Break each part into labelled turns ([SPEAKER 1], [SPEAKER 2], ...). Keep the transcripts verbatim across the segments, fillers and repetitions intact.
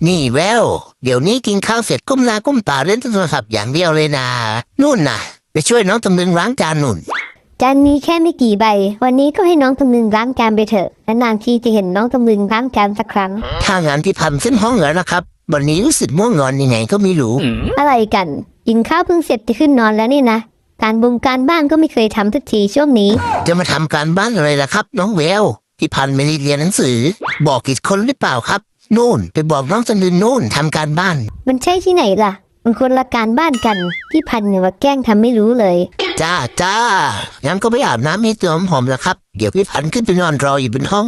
[SPEAKER 1] นี่แววเดี๋ยวนี้กินข้าวเสร็จก้มหน้าก้มตาเล่นโทรศัพท์อย่างเดียวเลยนะนู่นน่ะไปช่วยน้องตำลึงล้างจานนู่น
[SPEAKER 2] จานนี้แค่ไม่กี่ใบวันนี้ก็ให้น้องตำลึงล้างจานไปเถอะนานๆทีจะเห็นน้องตำลึงล้างจานสักครั้ง
[SPEAKER 1] ถ้างานที่พันเส้นห้องเหรอนะครับวันนี้รู้สึกม่วงงอนยังไงก็ไม่รู้
[SPEAKER 2] อะไรกันกินข้าวเพิ่งเสร็จจะขึ้นนอนแล้วนี่นะการบุงการบ้านก็ไม่เคยทำสักทีช่วงนี้
[SPEAKER 1] จะมาทำการบ้านอะไรล่ะครับน้องแววพี่พันไม่ได้เรียนหนังสือบอกกี่คนหรือเปล่าครับนู่นไปบอกน้องตำลึงนู่นทำการบ้าน
[SPEAKER 2] มันใช่ที่ไหนล่ะมันคนละการบ้านกันพี่พันเนี่ยว่าแกล้งทำไม่รู้เลย
[SPEAKER 1] จ้าจ้างั้นก็ไปอาบน้ำให้ตัวหอมๆแล้วครับเดี๋ยวพี่พันขึ้นไปนอนรออยู่บนห้อง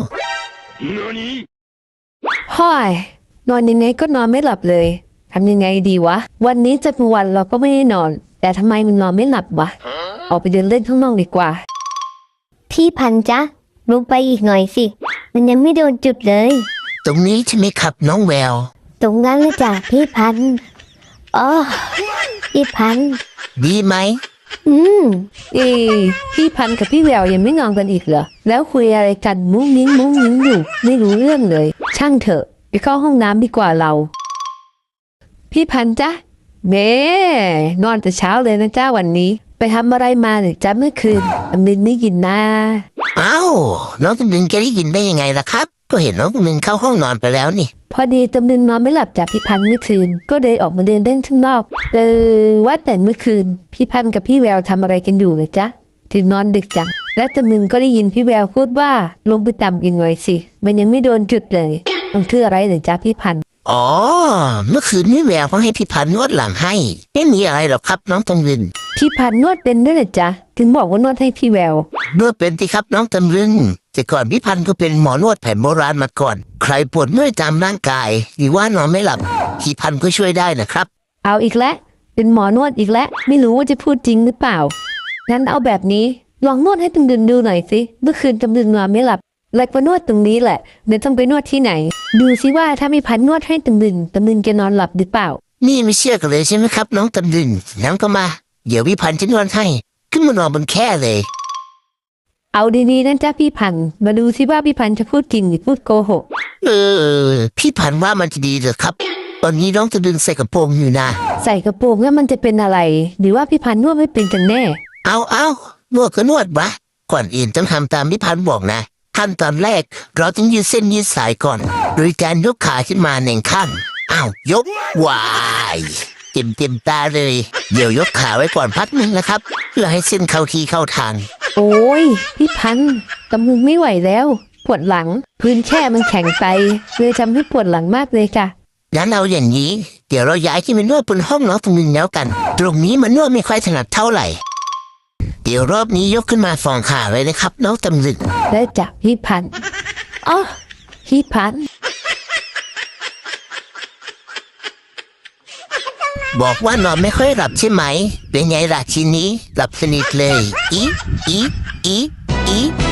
[SPEAKER 3] ห้อยนอนยังไงก็นอนไม่หลับเลยทำยังไงดีวะวันนี้จะเป็นวันเราก็ไม่ได้นอนแต่ทำไมมันนอนไม่หลับวะออกไปเดินเล่นข้างนอกดีกว่า
[SPEAKER 2] พี่พันจ๊ะลงไปอีกหน่อยสิมันยังไม่โดนจุดเลย
[SPEAKER 1] ตรงนี้ใช่ไหมครับน้องแวว
[SPEAKER 2] ตรงนั้นเลยจ้ะพี่พันอ๋อพี่พัน
[SPEAKER 1] ดีไหม
[SPEAKER 2] อืม
[SPEAKER 3] เอ้พี่พันกับพี่แววยังไม่นอนกันอีกเหรอแล้วคุยอะไรกันมุ้งมิ้งมุ้งมิ้งอยู่ไม่รู้เรื่องเลยช่างเถอะไปเข้าห้องน้ำดีกว่าเราพี่พันจ๊ะเม่นอนแต่เช้าเลยนะจ้าวันนี้ไปทำอะไรมาหรือจ้าเมื่อคืนตำลึงไม่กินนะ
[SPEAKER 1] อ้าวน้องตำลึงจะได้ยินได้ยังไงล่ะครับก็เห็นน้องตำลึงเข้าห้องนอนไปแล้วนี่
[SPEAKER 3] พอดีตำลึงนอนไม่หลับจากพี่พันเมื่อคืนก็เลยออกมาเดินเล่นข้างนอกเออว่าแต่เมื่อคืนพี่พันกับพี่แววทำอะไรกันอยู่เลยจ๊ะถึงนอนดึกจังและตำลึงก็ได้ยินพี่แววพูดว่าลงไปต่ำอีกหน่อยสิมันยังไม่โดนจุดเลยมันคืออะไรหรือจ๊ะพี่พัน
[SPEAKER 1] อ๋อเมื่อคืนพี่แววเขาให้พี่พันนวดหลังให้ไม่มีอะไรหรอกครับน้องตำลึง
[SPEAKER 3] พี่พันนวดเป็นด้วยเหรอจ๊ะถึงบอกว่านวดให้พี่แววน
[SPEAKER 1] วดเป็นที่ครับน้องตำลึงแต่ก่อนพี่พันก็เป็นหมอนวดแผนโบราณมาก่อนใครปวดเมื่อยตามร่างกายหรือว่านอนไม่หลับพี่พันก็ช่วยได้นะครับ
[SPEAKER 3] เอาอีกแล้วเป็นหมอนวดอีกแล้วไม่รู้ว่าจะพูดจริงหรือเปล่างั้นเอาแบบนี้ลองนวดให้ตำลึงดูหน่อยสิเมื่อคืนตำลึงนอนไม่หลับเลยมานวดตรงนี้แหละเดี๋ยวต้องไปนวดที่ไหนดูสิว่าถ้ามีพันนวดให้ตำลึงตำลึงจะนอนหลับหรือเปล่า
[SPEAKER 1] นี่ไม่เชื่อกันเลยใช่ไหมครับน้องตำลึงงั้นก็มาเดี๋ยวพี่พันจะนวดให้ขึ้นมานอนบนแคร่เลย
[SPEAKER 3] เอาดีๆนั่นจ้าพี่พันมาดูสิว่าพี่พันจะพูดจริงหรือพูดโกหก
[SPEAKER 1] เออพี่พันว่ามันจะดีเหรอครับตอนนี้น้องตำลึงใส่กระโปรงอยู่นะ
[SPEAKER 3] ใส่กระโปรงแล้วมันจะเป็นอะไรหรือว่าพี่พันนวดไม่เป็นกันแน่
[SPEAKER 1] เอาเอานวดก็นวดวะก่อนอื่นต้องทำตามพี่พันบอกนะขั้นตอนแรกเราต้องยืดเส้นยืดสายก่อนโดยการยกขาขึ้นมาหนึ่งข้างอ้าวยกวายเต็มเต็มตาเลยเดี๋ยวยกขาไว้ก่อนพักนึงนะครับเพื่อให้เส้นเข้าที่เข้าทาง
[SPEAKER 3] โอ้ยพี่พันตำลึงไม่ไหวแล้วปวดหลังพื้นแค่มันแข็งไปเลยทำให้ปวดหลังมากเลยค่ะ
[SPEAKER 1] งั้นเอาอย่างนี้เดี๋ยวเราย้ายที่มานวดบนห้องน้องตำลึงแล้วกันตรงนี้มันนวดไม่ค่อยถนัดเท่าไหร่เดี๋ยวรอบนี้ยกขึ้นมาสองขาเลยนะครับน้องตำลึง
[SPEAKER 3] ได้จ้ะพี่พันอ๋อพี่พัน
[SPEAKER 1] บอกว่านอนไม่ค่อยหลับใช่ไหมเป็นไงล่ะทีนี้หลับสนิทเลยอีอีอีอี